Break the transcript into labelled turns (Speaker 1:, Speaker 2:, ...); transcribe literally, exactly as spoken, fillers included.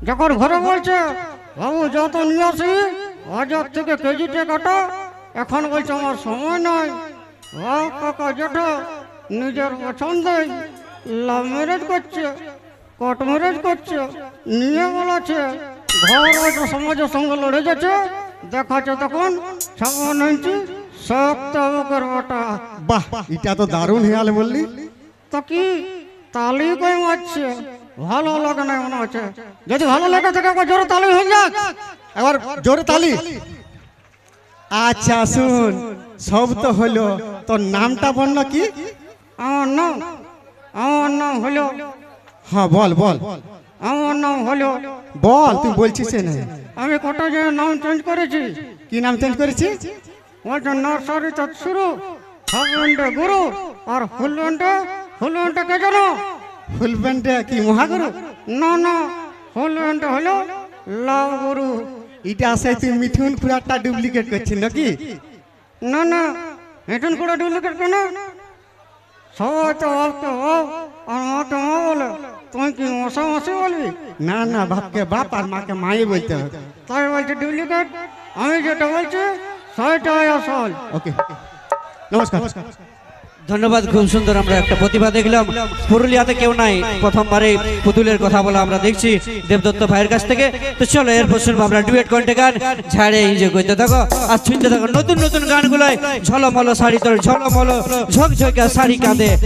Speaker 1: যখন ঘরে বলছে বাবু যত নিয়ে আসি হাজার থেকে কেজিতে কাটা, এখন বলছে আমার সময় নাই। ও কাকা জেঠা নিজের পছন্দেই লাভ ম্যারেজ করছে, কোর্ট ম্যারেজ করছে, নিয়ে বলাছে ঘর হয়তো সমাজের সঙ্গে লড়ে যাচ্ছে, দেখাচ্ছে তখন ছাপ্পান্ন ইঞ্চি শক্ত বুকের বাটা।
Speaker 2: বাহ, এটা তো দারুণ হেয়াল বললি।
Speaker 1: তো কি তালি কই মারছে? ভালো লাগে না মনে হচ্ছে। যদি ভালো লেগে থাকে একবার জোরে তালি হয়ে যাক।
Speaker 2: এবার জোরে তালি। আচ্ছা শুন, সব তো হলো, তোর নামটা বল কি?
Speaker 1: আমার নাম আমার নাম হলো
Speaker 2: হ্যাঁ বল বল
Speaker 1: আমার নাম হলো
Speaker 2: বল, তুই বলছিস না?
Speaker 1: আমি কটা যে নাম চেঞ্জ করেছি।
Speaker 2: কি নাম চেঞ্জ করেছিস?
Speaker 1: বলছে নার্সারি তো শুরু, হাফ গুরু, আর ফুল ব্যান্ডে ফুল ব্যান্ডে কে জানো?
Speaker 2: ফুল প্যান্টে কি মহাগুরু?
Speaker 1: না না, ফুল ব্যান্ডে হলো লাভ গুরু।
Speaker 2: এটা আসে তুই মিঠুন পুরাটা ডুপ্লিকেট করছিস নাকি?
Speaker 1: না না, হেঁটুন করে ডুপ্লিকেট কেন? সবাই তো বাপকে বাপ আর মাকে মা বলে, তুই কি মশা মাসি বলবি?
Speaker 2: না না, বাপকে বাপ আর মাকে মাই বলতে হবে।
Speaker 1: তাই বলছে ডুপ্লিকেট। আমি যেটা বলছি সেটাই আসল।
Speaker 2: ওকে, নমস্কার।
Speaker 3: ধন্যবাদ, খুব সুন্দর আমরা একটা প্রতিভা দেখলাম। পুরুলিয়াতে কেউ নাই, প্রথমবারে পুতুলের কথা বলা আমরা দেখছি দেবদত্ত ভাইয়ের কাছ থেকে। তো চলো এরপর শুনবো আমরা ডুয়েট কণ্ঠে গান। ঝাড়ে ইঞ্জয় করতে থাকো আর শুনতে থাকো নতুন নতুন গানগুলোয়। ঝলমলো শাড়ি তোর ঝলমলো ঝকঝকা শাড়ি কাঁদে।